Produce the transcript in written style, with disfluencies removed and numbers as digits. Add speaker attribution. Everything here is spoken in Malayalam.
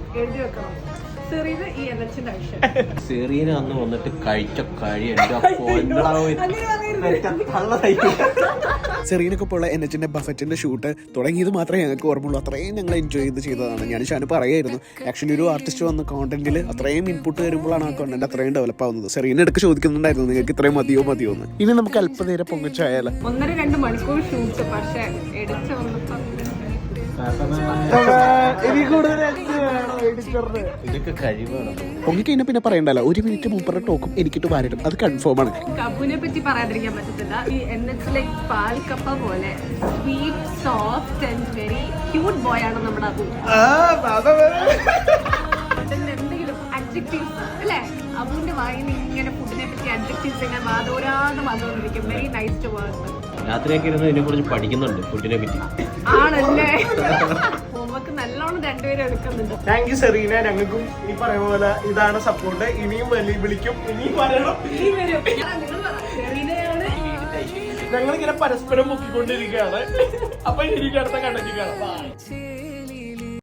Speaker 1: എഴുതി വെക്കണം.
Speaker 2: സെറീന അന്ന് വന്നിട്ട് കഴിച്ച
Speaker 3: സെറീനൊക്കെ ഉള്ള NH ബഫറ്റിന്റെ ഷൂട്ട് തുടങ്ങിയത് മാത്രമേ ഞങ്ങൾക്ക് ഓർമ്മയുള്ളൂ. അത്രയും ഞങ്ങൾ എൻജോയ് ചെയ്തതാണ്. ഞാൻ ഷാന് പറയായിരുന്നു, ആക്ച്വലി ഒരു ആർട്ടിസ്റ്റ് വന്ന കോണ്ടന്റിൽ അത്രയും ഇൻപുട്ട് വരുമ്പോഴാണ് ആ കോണ്ടന്റ് അത്രയും ഡെവലപ്പ് ആവുന്നത്. സെറീന ഇടയ്ക്ക് ചോദിക്കുന്നുണ്ടായിരുന്നു നിങ്ങൾക്ക് ഇത്രയും മതിയോ എന്ന്. ഇനി നമുക്ക് അല്പനേരം പൊങ്ങിച്ചായാലോ.
Speaker 1: 1-2 മണിക്കൂർ ഷൂട്ട്, പക്ഷേ എടുത്ത് വന്നപ്പോൾ
Speaker 3: പൊങ്ങിക്കഴിഞ്ഞാൽ പിന്നെ പറയണ്ടല്ലോ, 1 മിനിറ്റ് മുമ്പ് ടോക്കും എനിക്കിട്ട് വാരിടും, അത് കൺഫേം ആണ്.
Speaker 1: കബുനെ പറ്റി പറയാതിരിക്കാൻ പറ്റത്തില്ല. ഈ NH പാൽക്കപ്പ പോലെ sweet, soft and very cute boy ആണ് നമ്മുടെ അബു. എന്തെങ്കിലും അഡ്ജക്റ്റീവ്സ് അല്ലേ, അബുവിന്റെ വായിൽ ഇങ്ങനെ ഫുഡിനെ പറ്റി അഡ്ജക്റ്റീവ്സ് ഇങ്ങനെ വാദോരാന്ന് വന്നുകൊണ്ടിരിക്കും. Very nice to work.
Speaker 2: രാത്രിയൊക്കെ ഇരുന്ന് ഇതിനെ കുറിച്ച് പഠിക്കുന്നുണ്ട്, ഫുഡിനെ പറ്റി.
Speaker 1: ആണല്ലേ, ഹോംവർക്ക് നല്ലോണം രണ്ടുപേരും എടുക്കുന്നുണ്ട്.
Speaker 3: Thank you Serena. ഞങ്ങൾക്കും ഈ പറയുന്ന പോലെ ഇതാണ് സപ്പോർട്ട്. ഇനിയും വിളിക്കും, ഇനിയും പറയണം. ഞങ്ങളിങ്ങനെ പരസ്പരം മുക്കിക്കൊണ്ടിരിക്കുകയാണ്. അപ്പൊ എനിക്ക് അടുത്ത കണ്ടന്റ് കാണാം.